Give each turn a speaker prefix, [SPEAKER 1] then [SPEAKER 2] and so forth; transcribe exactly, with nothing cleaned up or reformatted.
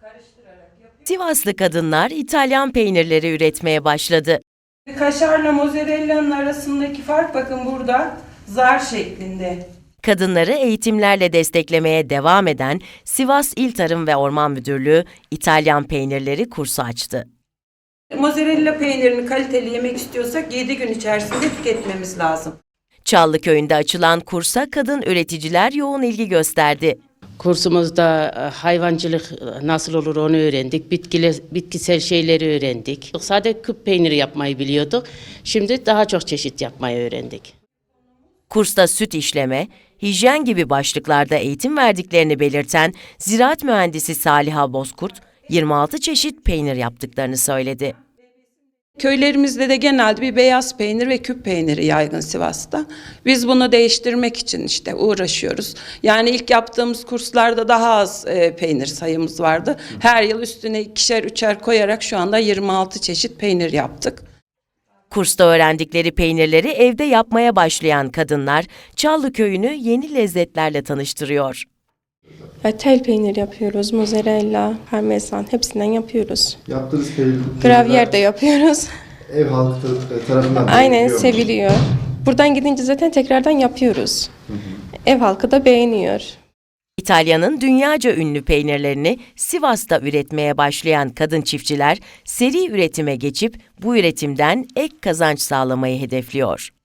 [SPEAKER 1] Sivaslı kadınlar İtalyan peynirleri üretmeye başladı.
[SPEAKER 2] Kaşarla mozzarella'nın arasındaki fark bakın burada zar şeklinde.
[SPEAKER 1] Kadınları eğitimlerle desteklemeye devam eden Sivas İl Tarım ve Orman Müdürlüğü İtalyan peynirleri kursu açtı.
[SPEAKER 2] Mozzarella peynirini kaliteli yemek istiyorsak yedi gün içerisinde tüketmemiz lazım.
[SPEAKER 1] Çallıköy'ünde açılan kursa kadın üreticiler yoğun ilgi gösterdi.
[SPEAKER 3] Kursumuzda hayvancılık nasıl olur onu öğrendik. Bitkile, bitkisel şeyleri öğrendik. Sadece küp peyniri yapmayı biliyorduk. Şimdi daha çok çeşit yapmayı öğrendik.
[SPEAKER 1] Kursta süt işleme, hijyen gibi başlıklarda eğitim verdiklerini belirten ziraat mühendisi Saliha Bozkurt, yirmi altı çeşit peynir yaptıklarını söyledi.
[SPEAKER 2] Köylerimizde de genelde bir beyaz peynir ve küp peyniri yaygın Sivas'ta. Biz bunu değiştirmek için işte uğraşıyoruz. Yani ilk yaptığımız kurslarda daha az e, peynir sayımız vardı. Her yıl üstüne ikişer üçer koyarak şu anda yirmi altı çeşit peynir yaptık.
[SPEAKER 1] Kursta öğrendikleri peynirleri evde yapmaya başlayan kadınlar Çallıköy'ünü yeni lezzetlerle tanıştırıyor.
[SPEAKER 4] Tel peynir yapıyoruz, mozzarella, parmesan hepsinden yapıyoruz.
[SPEAKER 5] Yaptığınız peynir,
[SPEAKER 4] Gravyer de yapıyoruz.
[SPEAKER 5] ev halkı tarafından
[SPEAKER 4] Aynen
[SPEAKER 5] beğeniliyor mu?
[SPEAKER 4] seviliyor. Buradan gidince zaten tekrardan yapıyoruz. Hı hı. Ev halkı da beğeniyor.
[SPEAKER 1] İtalya'nın dünyaca ünlü peynirlerini Sivas'ta üretmeye başlayan kadın çiftçiler seri üretime geçip bu üretimden ek kazanç sağlamayı hedefliyor.